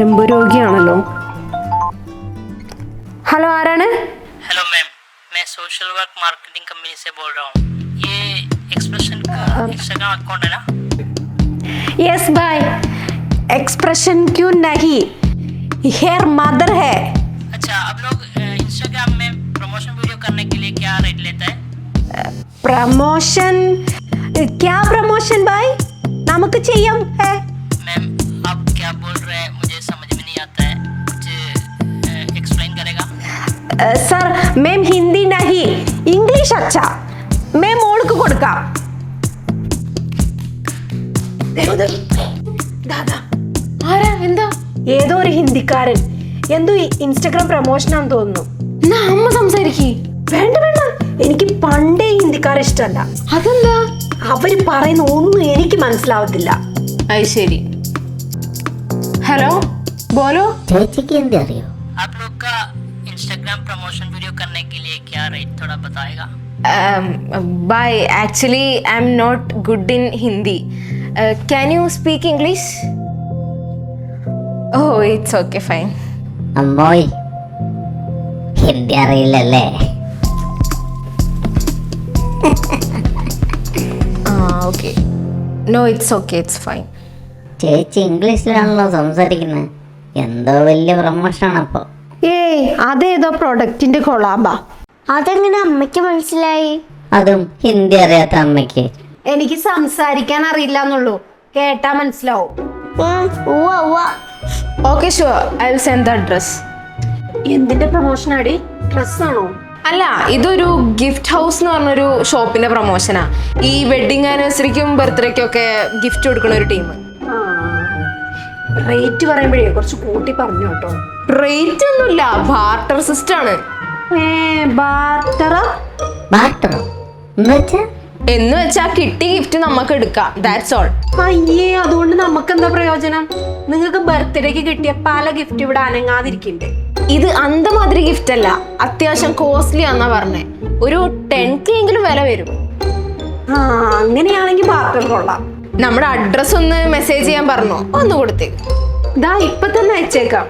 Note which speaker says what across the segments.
Speaker 1: ഞരമ്പ് രോഗിയാണല്ലോ. ഹലോ, ആരാണ്?
Speaker 2: हेलो मैम, मैं सोशल वर्क मार्केटिंग कंपनी से बोल रहा हूँ. ये एक्सप्रेशन का इंस्टाग्राम अकाउंट है ना?
Speaker 1: यस भाई. एक्सप्रेशन क्यों नहीं, हेयर मदर है.
Speaker 2: अच्छा, आप लोग इंस्टाग्राम में प्रमोशन वीडियो करने के लिए क्या रेट लेता है?
Speaker 1: प्रमोशन? क्या प्रमोशन भाई? നമുക്ക് ചെയ്യാം है.
Speaker 2: मैम, आप क्या बोल रहे हैं मुझे समझ में नहीं आता है, कुछ एक्सप्लेन करेगा?
Speaker 1: सर, मैम हिंदी नहीं, इंग्लिश अच्छा. मैं മോൾക്ക് കൊടുക്കാം. ആരാ? എന്താ? ഏതോ ഒരു ഹിന്ദിക്കാരൻ എന്തോ ഇൻസ്റ്റഗ്രാം പ്രൊമോഷനാന്ന് തോന്നുന്നു. എന്നാ അമ്മ സംസാരിക്കേ. വേണ്ട വേണ്ട, എനിക്ക് പണ്ടേ ഹിന്ദിക്കാരെ ഇഷ്ടമല്ല. അതെന്താ? അവര് പറയുന്ന ഒന്നും എനിക്ക് മനസ്സിലാവത്തില്ല. അത് ശരി. ഹലോ, ബോലോ.
Speaker 3: ചേച്ചിക്ക് എന്ത് അറിയോ?
Speaker 2: आप लोग का इंस्टाग्राम प्रमोशन वीडियो करने के लिए क्या रेट थोड़ा बताएगा?
Speaker 1: Bye. Actually, I'm not good in Hindi. Can you speak English? Oh, it's okay, fine.
Speaker 3: അമ്മോയ്, Hindi അറിയില്ലല്ലേ?
Speaker 1: Okay. No, it's okay, it's fine.
Speaker 3: ചേച്ചി ഇംഗ്ലീഷിലാണല്ലോ സംസാരിക്കുന്നത്. എന്തോ വലിയ പ്രൊമോഷനാണ് അപ്പൊ.
Speaker 1: ഏയ്, അതേതോ പ്രൊഡക്റ്റിന്റെ കൊളാബാ.
Speaker 4: അതെങ്ങനെ അമ്മയ്ക്ക് മനസ്സിലായി?
Speaker 3: അതും ഹിന്ദി അറിയാത്ത അമ്മയ്ക്ക്.
Speaker 1: എനിക്ക് സംസാരിക്കാൻ അറിയില്ല എന്നുള്ളൂ, കേട്ടാ മനസ്സിലാവും. Okay, sure, I will send the address. എന്തിന്റെ പ്രൊമോഷൻ ആടി? ഡ്രസ് ആണോ? അല്ല, ഇതൊരു ഗിഫ്റ്റ് ഹൗസ് എന്ന് പറഞ്ഞൊരു ഷോപ്പിന്റെ പ്രൊമോഷനാ. ഈ വെഡിങ് ആനിവേഴ്സറിക്കും ബർത്ത്ഡേക്കും ഒക്കെ ഗിഫ്റ്റ് കൊടുക്കുന്ന ഒരു ടീം. റേറ്റ് പറയുമ്പോഴേ കുറച്ച് കൂട്ടി പറഞ്ഞു കേട്ടോ. റേറ്റ് ഒന്നുമില്ല, ബാർട്ടർ സിസ്റ്റം ആണ്.
Speaker 3: ബാർട്ടറോ
Speaker 1: എന്ന് വെച്ചാ കിട്ടിയ ഗിഫ്റ്റ് നമുക്ക് എടുക്കാം, ദാറ്റ്സ് ഓൾ. അയ്യേ, അതുകൊണ്ട് നമുക്ക് എന്താ പ്രയോജനം? നിങ്ങൾക്ക് ബർത്ത്ഡേക്ക് കിട്ടിയ പല ഗിഫ്റ്റ് ഇവിടെ അനങ്ങാതിരിക്കണ്ടേ? ഇത് അന്തമാതിരി ഗിഫ്റ്റ് അല്ല, അത്യാവശ്യം കോസ്റ്റ്ലി ആന്നാ പറഞ്ഞേ. ഒരു 10K എങ്കിലും വില വരും. അങ്ങനെയാണെങ്കിൽ ബാർട്ടർ കൊള്ളാം. നമ്മുടെ അഡ്രസ് ഒന്ന് മെസ്സേജ് ചെയ്യാൻ പറഞ്ഞോ, ഒന്ന് കൊടുത്തേക്ക്. ഇതാ ഇപ്പൊ തന്നെ അയച്ചേക്കാം.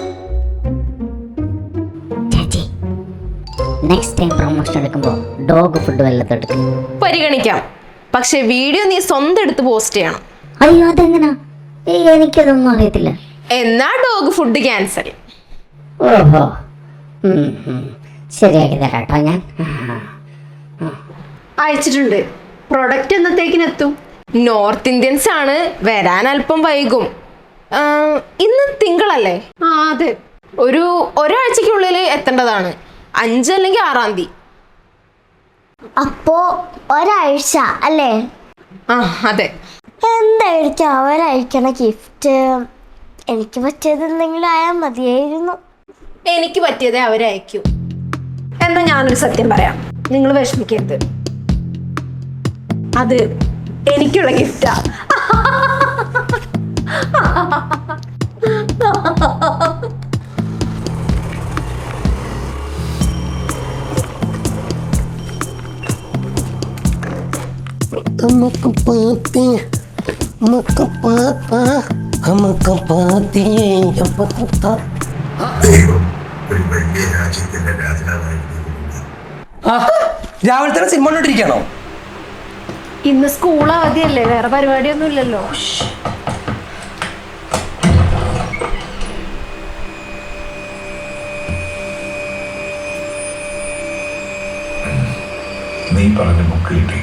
Speaker 3: ചേച്ചി, നെക്സ്റ്റ് ടൈം പ്രൊമോഷൻ എടുക്കുമ്പോ ഡോഗ് ഫുഡ് വല്ലതും എടുക്കും.
Speaker 1: പരിഗണിക്കാം, പക്ഷെ വീഡിയോ നീ സ്വന്തം എടുത്ത് പോസ്റ്റ് ചെയ്യണം.
Speaker 3: അയ്യോ, അതെങ്ങനാ? എനിക്കതൊന്നും അറിയത്തില്ല.
Speaker 1: എന്നാ ഡോഗ് ഫുഡ് ക്യാൻസൽ.
Speaker 3: ഓഹോ, ശരിയാക്കി തരാട്ടോ ഞാൻ.
Speaker 1: അയച്ചിട്ടുണ്ട്. പ്രൊഡക്റ്റ് എന്നത്തേക്കിനെത്തും? നോർത്ത് ഇന്ത്യൻസ് ആണ്, വരാൻ അല്പം വൈകും. ഇന്ന് തിങ്കളല്ലേ? അതെ, ഒരാഴ്ചക്കുള്ളിൽ എത്തേണ്ടതാണ്. 5 അല്ലെങ്കിൽ 6-ാം തീയതി.
Speaker 4: അപ്പോ ഒരാഴ്ച അല്ലേ?
Speaker 1: അതെ.
Speaker 4: എന്തായിരിക്കും അവരയക്കണ ഗിഫ്റ്റ്? എനിക്ക് പറ്റിയത് എന്തെങ്കിലും ആയാൽ മതിയായിരുന്നു.
Speaker 1: എനിക്ക് പറ്റിയതേ അവരയക്കൂ. എന്നാ ഞാനൊരു സത്യം പറയാം, നിങ്ങൾ വിഷമിക്കരുത്. അത് എനിക്കുള്ള ഗിഫ്റ്റാ.
Speaker 5: രാവിലെ തന്നെ സിനിമ കണ്ടോണ്ടിരിക്കണോ?
Speaker 1: ഇന്ന് സ്കൂൾ അവധിയല്ലേ, വേറെ പരിപാടിയൊന്നും ഇല്ലല്ലോ.
Speaker 6: നീ പറഞ്ഞ ബുക്ക് കിട്ടി.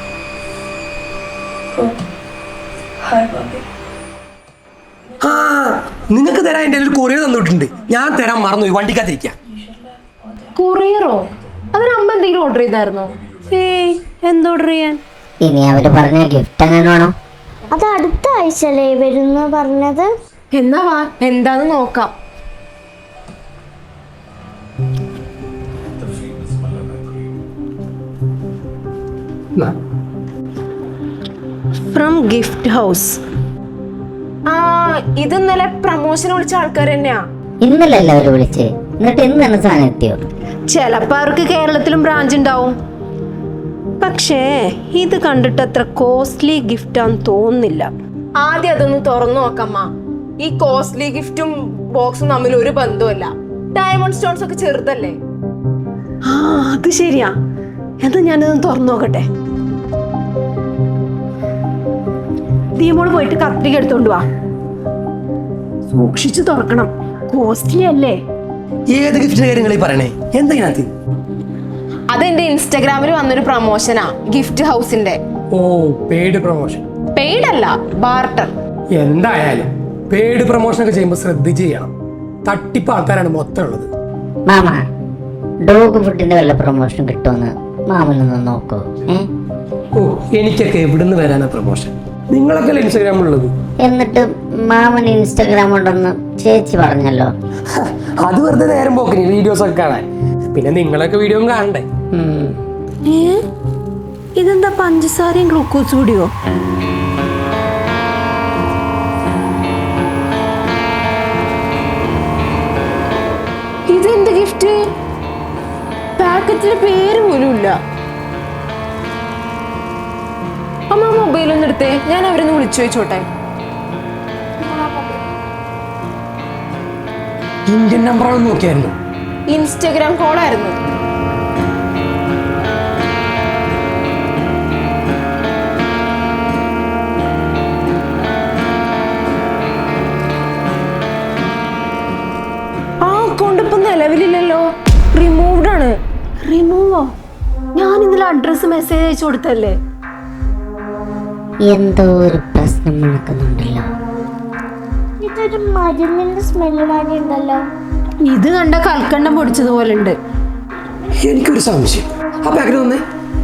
Speaker 5: നിങ്ങക്ക് തരാൻ എന്റെ ഒരു കൊറിയർ തന്നിട്ടുണ്ട്, ഞാൻ തരാൻ മറന്നു. വണ്ടിക്കകത്തിരിക്കാം.
Speaker 1: കൊറിയറോ? അതിന് അമ്മ എന്തെങ്കിലും ഓർഡർ ചെയ്തായിരുന്നോ? എന്ത് ഓർഡർ ചെയ്യാൻ?
Speaker 3: ഇനി അവര് പറഞ്ഞ ഗിഫ്റ്റ് എങ്ങനെ വേണോ?
Speaker 4: അത് അടുത്ത ആഴ്ചയല്ലേ വരുന്ന പറഞ്ഞത്?
Speaker 1: എന്നാ വാ, എന്താന്ന് നോക്കാം. From gift house. ഇത് ഇന്നലെ പ്രമോഷൻ വിളിച്ച ആൾക്കാർ തന്നെയാ.
Speaker 3: ഇന്നലല്ലേ അവര് വിളിച്ച്, എന്നിട്ട് ഇന്ന് തന്നെ സാധനം എത്തിയോ?
Speaker 1: ചിലപ്പോ അവർക്ക് കേരളത്തിലും ബ്രാഞ്ച് ഉണ്ടാവും. പക്ഷേ ഇത് കണ്ടിട്ട് അത്ര കോസ്റ്റ്ലി ഗിഫ്റ്റ് ആണെന്ന് തോന്നുന്നില്ല. ആദ്യം അതൊന്ന് തുറന്നു നോക്കമ്മ. ഈ കോസ്റ്റ്ലി ഗിഫ്റ്റും ബോക്സും തമ്മിൽ ഒരു ബന്ധവുമല്ല. ഡയമണ്ട് സ്റ്റോൺസ് ഒക്കെ ചെറുതല്ലേ? ആ അത് ശരിയാ. എന്താ ഞാനതൊന്ന് തുറന്നു നോക്കട്ടെ. ദീമോള് പോയിട്ട് കത്രിക എടുത്തോണ്ട് വാ. സൂക്ഷിച്ചു തുറക്കണം, കോസ്റ്റ്ലി അല്ലേ.
Speaker 5: ഏത് ഗിഫ്റ്റിന്റെ കാര്യങ്ങളീ പറയണേ? എന്താ ഇതിനകത്ത്?
Speaker 1: അതെന്റെ ഇൻസ്റ്റാഗ്രാമിൽ വന്നൊരു പ്രൊമോഷനാ, ഗിഫ്റ്റ് ഹൗസിന്റെ.
Speaker 5: ഓ, പെയ്ഡ് പ്രൊമോഷൻ.
Speaker 1: പെയ്ഡ് അല്ല, ബാർട്ടർ.
Speaker 5: എന്തായാലും പെയ്ഡ് പ്രൊമോഷൻ ഒക്കെ ചെയ്യുമ്പോൾ ശ്രദ്ധിച്ച് ചെയ്യണം. തട്ടിപ്പ് ആൾക്കാരാണ് മൊത്തം ഉള്ളത്.
Speaker 3: മാമ, ഡോഗ് ഫുഡിന്റെ വല്ല പ്രൊമോഷൻ കിട്ടുമെന്ന് മാമനൊന്ന് നോക്കോ.
Speaker 5: ഓ, എനിക്കൊക്കെ എവിടുന്ന് വരാനാ പ്രൊമോഷൻ? നിങ്ങളൊക്കെ ഇൻസ്റ്റാഗ്രാമിലുള്ളത്.
Speaker 3: എന്നിട്ട് മാമൻ ഇൻസ്റ്റാഗ്രാം ഉണ്ടെന്ന് ചേച്ചി പറഞ്ഞല്ലോ.
Speaker 5: അത് വെറുതെ നേരം പോക്കിന് വീഡിയോസ് ഒക്കെ കാണാൻ. പിന്നെ നിങ്ങളൊക്കെ വീഡിയോ കാണണ്ടേ?
Speaker 1: ഇതെന്താ പഞ്ചസാരയും ഗ്ലൂക്കോസ് കൂടിയോ? ഇതെന്ത് ഗിഫ്റ്റ്? പാക്കറ്റിന്റെ പേര് പോലും ഇല്ല. അമ്മ മൊബൈലൊന്നും എടുത്തേ, ഞാൻ അവരൊന്ന് വിളിച്ചു ചോദിച്ചോട്ടെ.
Speaker 5: ഇന്ത്യൻ നമ്പറാണെന്ന് നോക്കിയായിരുന്നു.
Speaker 1: ഇൻസ്റ്റഗ്രാം കോളായിരുന്നു. ആ അക്കൗണ്ട് ഇപ്പൊ നിലവിലില്ലല്ലോ, റിമൂവ്ഡ് ആണ്. റിമൂവോ? ഞാൻ ഇന്നലെ അഡ്രസ് മെസ്സേജ് അയച്ചു കൊടുത്തല്ലേ.
Speaker 3: എന്തോ ഒരു പ്രശ്നം നടക്കുന്നുണ്ടല്ലോ.
Speaker 4: ഇതൊരു മരുന്നിന്റെ സ്മെല്ല് മാതിരി ഉണ്ടല്ലോ.
Speaker 1: ഇത് കണ്ട കൽക്കണ്ടം പൊടിച്ചതുപോലെ ഉണ്ട്.
Speaker 5: എനിക്കൊരു സംശയം. ആ പാക്കറ്റ് വന്നേ.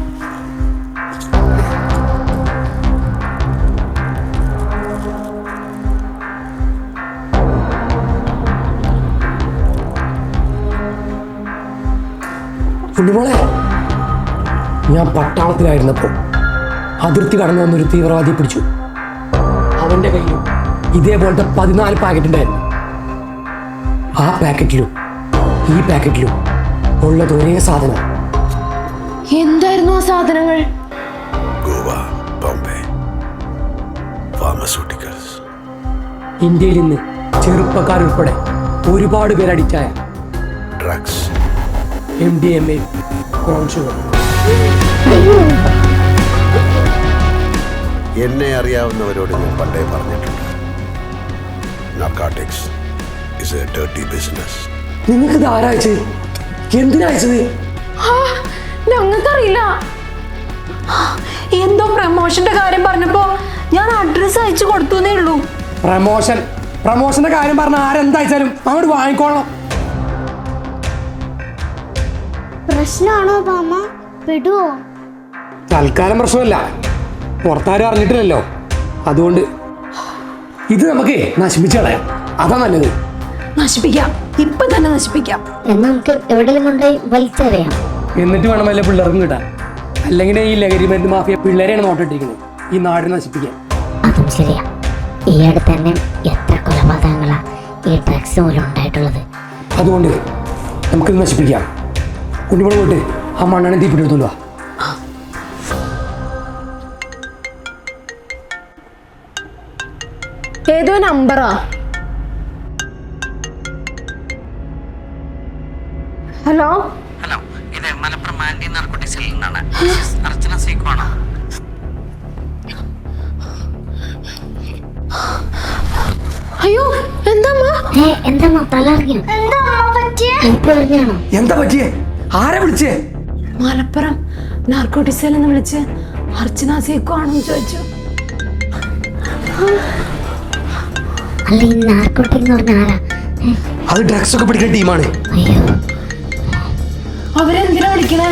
Speaker 5: കുഞ്ഞുമോളെ, ഞാൻ പട്ടാളത്തിലായിരുന്നപ്പോൾ അതിർത്തി കടന്നു വന്നൊരു തീവ്രവാദിയെ പിടിച്ചു. അവന്റെ കയ്യിൽ ഇതേപോലത്തെ 14 പാക്കറ്റ് ഉണ്ടായിരുന്നു. ആ പാക്കറ്റിലും ഈ പാക്കറ്റിലും ഉള്ളത് ഒരേ സാധനം.
Speaker 1: എന്തായിരുന്നു ആ സാധനങ്ങൾ?
Speaker 6: ഗോവ, ബോംബെ, ഫാർമസ്യൂട്ടിക്കൽസ്.
Speaker 5: ഇന്ത്യയിൽ ഇന്ന് ചെറുപ്പക്കാരുൾപ്പെടെ ഒരുപാട് പേര് അഡിക്റ്റായ
Speaker 6: ഡ്രഗ്സ്,
Speaker 5: MDMA, ബ്രൗൺ ഷുഗർ.
Speaker 6: എന്നെ അറിയാവുന്നവരോട് ഞാൻ പണ്ടേ പറഞ്ഞിട്ടുണ്ട്, narcotics is a dirty business.
Speaker 5: നിങ്ങൾക്ക് ഇത് ആരാ അയച്ചത്? എന്തിനാ അയച്ചത്?
Speaker 1: ഞങ്ങൾക്കറിയില്ല. എന്തോ പ്രമോഷന്റെ കാര്യം പറഞ്ഞപ്പോ ഞാൻ അഡ്രസ് അയച്ചു കൊടുത്തേ ഉള്ളൂ.
Speaker 5: പ്രമോഷന്റെ കാര്യം പറഞ്ഞ ആരെന്താ അയച്ചാലും അങ്ങോട്ട് വാങ്ങിക്കോളണം.
Speaker 4: പ്രശ്നമാണോ മാമ? പെടുവോ?
Speaker 5: തൽക്കാലം പ്രശ്നമല്ല, പുറത്താരും അറിഞ്ഞിട്ടില്ലല്ലോ. അതുകൊണ്ട് ഇത് നമുക്ക് നശിപ്പിച്ച് കളയാം. അതാ നല്ലത്.
Speaker 1: നശിപ്പിക്കാം, ഇപ്പൊ തന്നെ നശിപ്പിക്കാം.
Speaker 3: എന്നാ നമുക്ക് എവിടെയെങ്കിലും കൊണ്ടുപോയി വലിച്ചെറിയാം.
Speaker 5: എന്നിട്ട് വേണം വല്ല പിള്ളേർക്കും കിട്ടാൻ. അല്ലെങ്കിൽ ഈ ലഹരി മരുന്ന് മാഫിയ പിള്ളേരെയാണ് നോട്ടിട്ടിരിക്കുന്നത് ഈ നാടിനെ നശിപ്പിക്കാൻ.
Speaker 3: അതും ശരിയാ. ഈ അടുത്ത് തന്നെ എത്ര കൊലപാതകങ്ങളാ ഈ ഡ്രഗ്സ് മൂലം ഉണ്ടായിട്ടുള്ളത്.
Speaker 5: അതുകൊണ്ട് നമുക്കിത് നശിപ്പിക്കാം. കുഞ്ഞുമോള് പോയിട്ട് ആ മണ്ണെണ്ണ തീപ്പിട്ടെടുത്തോളൂ.
Speaker 1: ഏതോ നമ്പറാ. ഹലോ
Speaker 2: ഹലോ, ഇത് മലപ്പുറം ആന്റി നാർക്കോട്ടിക്സിൽ നിന്നാണ്. അർച്ചന സീക്കോ ആണോ?
Speaker 1: അയ്യോ, എന്താ
Speaker 3: എന്താ തലറിഞ്ഞോ?
Speaker 4: എന്താ അമ്മ പറ്റിയേ?
Speaker 3: എനിക്ക് പറഞ്ഞാണോ?
Speaker 5: എന്താ പറ്റിയേ? ആരെ വിളിച്ചേ?
Speaker 1: മലപ്പുറം നാർക്കോട്ടിക്സിൽ നിന്ന് വിളിച്ച് അർച്ചന സീക്കോ ആണെന്ന് ചോദിച്ചു.
Speaker 3: അല്ല, ഈ നാർക്കോട്ടിക് എന്ന് പറഞ്ഞ ആരാ?
Speaker 5: അത് ഡ്രഗ്സ് ഒക്കെ പിടിക്കുന്ന ടീമാണ്.
Speaker 3: അയ്യോ,
Speaker 1: അവരെന്തിനാ വിളിക്കണേ?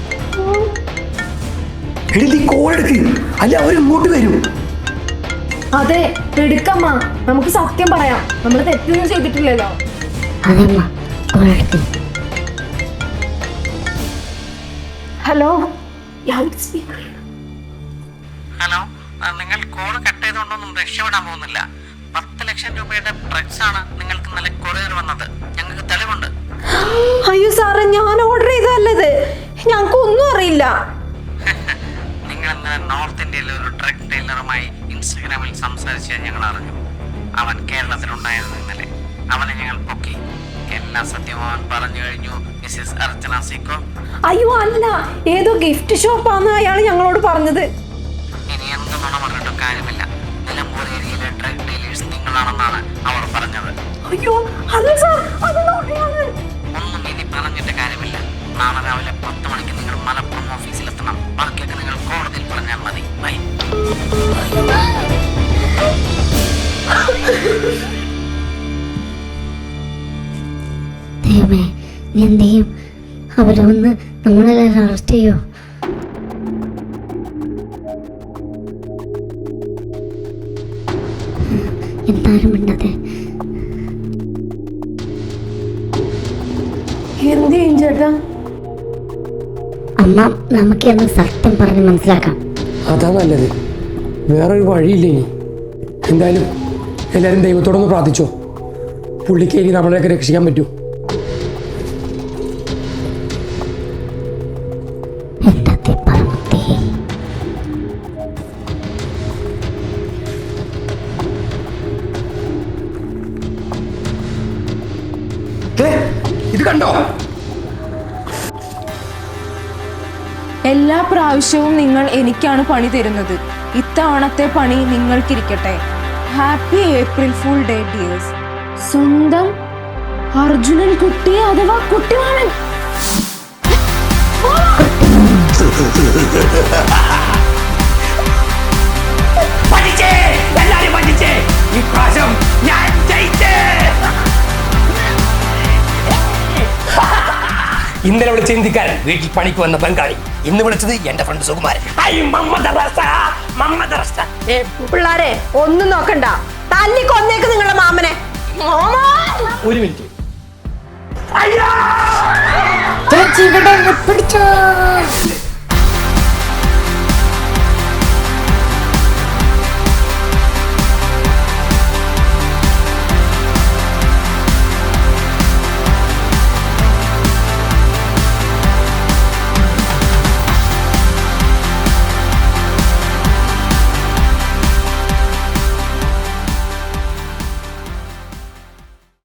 Speaker 5: എടി നീ കോൾ എടുക്ക്, അല്ലെ അവർ ഇങ്ങോട്ട് വരും.
Speaker 1: അതെ, എടുക്കമ്മ. നമുക്ക് സത്യം പറയാം, നമ്മൾ തെറ്റൊന്നും ചെയ്തിട്ടില്ലല്ലോ.
Speaker 3: അതമ്മ, കോളെടുക്ക്.
Speaker 1: ഹലോ,
Speaker 2: ഹലോ, നിങ്ങൾ കോൾ കട്ട് ചെയ്തുകൊണ്ടൊന്നും രക്ഷപ്പെടാൻ പോകുന്നില്ല. 10 ലക്ഷം രൂപയുടെ ഡ്രഗ്സ് ആണ് നിങ്ങൾക്ക് ഇന്നലെ കൊറിയർ വന്നത്. ഞങ്ങൾക്ക് തെളിവുണ്ട്.
Speaker 1: അയ്യോ സാറേ, ഞാൻ ഓർഡർ ചെയ്തല്ലത്. ഞങ്ങൾക്ക് ഒന്നും അറിയില്ല.
Speaker 2: നിങ്ങൾ ഇന്നലെ നോർത്ത് ഇന്ത്യയിലെ ഒരു ഡ്രഗ് ഡീലറുമായി ഇൻസ്റ്റഗ്രാമിൽ സംസാരിച്ച് ഞങ്ങൾ അറിഞ്ഞു. അവൻ കേരളത്തിലുണ്ടായിരുന്നു ഇന്നലെ. അവനെ ഞങ്ങൾ പൊക്കി. എല്ലാ സത്യവും അവൻ പറഞ്ഞു കഴിഞ്ഞു. മിസ്സിസ് അർച്ചന സിക്കോ.
Speaker 1: അയ്യോ അല്ല, ഏതോ ഗിഫ്റ്റ് ഷോപ്പാന്ന് അയാൾ ഞങ്ങളോട് പറഞ്ഞത്.
Speaker 2: ഇനി എന്ത് നുണ പറഞ്ഞിട്ടും കാര്യമില്ല. നിലമ്പൂർ ഏരിയയിലെ ഡ്രഗ് ഡീലേഴ്സ് നിങ്ങളാണെന്നാണ് അവർ പറഞ്ഞത്.
Speaker 1: അയ്യോ അല്ല സാർ, അത് നുണയാണ്.
Speaker 2: ഒന്നും ഇനി പറഞ്ഞിട്ട് കാര്യമില്ല. നാളെ രാവിലെ 10 മണിക്ക് നിങ്ങൾ മലപ്പുറം ഓഫീസിലെത്തണം. ബാക്കിയൊക്കെ നിങ്ങൾ കോടതിയിൽ പറഞ്ഞാൽ മതി. ബൈ.
Speaker 3: ദൈവമേ, നീ എന്ത് ചെയ്യും? അവരെ വന്ന് നമ്മളെല്ലാം അറസ്റ്റ് ചെയ്യോ? എന്തായാലും മിണ്ടാതെ.
Speaker 1: എന്ത് ചെയ്യും ചേട്ടാ?
Speaker 3: അമ്മ, നമുക്ക് എന്ന് സത്യം പറഞ്ഞ് മനസ്സിലാക്കാം.
Speaker 5: അതാ നല്ലത്. വേറൊരു വഴിയില്ല ഇനി. എന്തായാലും എല്ലാവരും ദൈവത്തോടൊന്ന് പ്രാർത്ഥിച്ചോ. പുള്ളിക്ക് ഇനി നമ്മളെയൊക്കെ രക്ഷിക്കാൻ പറ്റൂ.
Speaker 3: എന്താ പറമ്പത്തി?
Speaker 5: ഇത് കണ്ടോ?
Speaker 7: എല്ലാ പ്രാവശ്യവും നിങ്ങൾ എനിക്കാണ് പണി തരുന്നത്. ഇത്തവണത്തെ പണി നിങ്ങൾക്കിരിക്കട്ടെ. Happy April fool day dears.
Speaker 1: സ്വന്തം അർജുനൻ കുട്ടി അഥവാ കുട്ടിമാമൻ.
Speaker 5: ഇന്നലെ വിളിച്ച ഹിന്ദിക്കാരൻ, വീട്ടിൽ പണിക്ക് വന്ന ബംഗാളി. ഇന്ന് വിളിച്ചത് എന്റെ ഫ്രണ്ട് സുകുമാരൻ.
Speaker 1: പിള്ളാരെ ഒന്നും നോക്കണ്ട, തല്ലി കൊന്നേക്ക് നിങ്ങളുടെ മാമനെ.
Speaker 5: ഒരു മിനിറ്റ്.
Speaker 3: ചേച്ചി ഇവിടെ പിടിച്ചോ.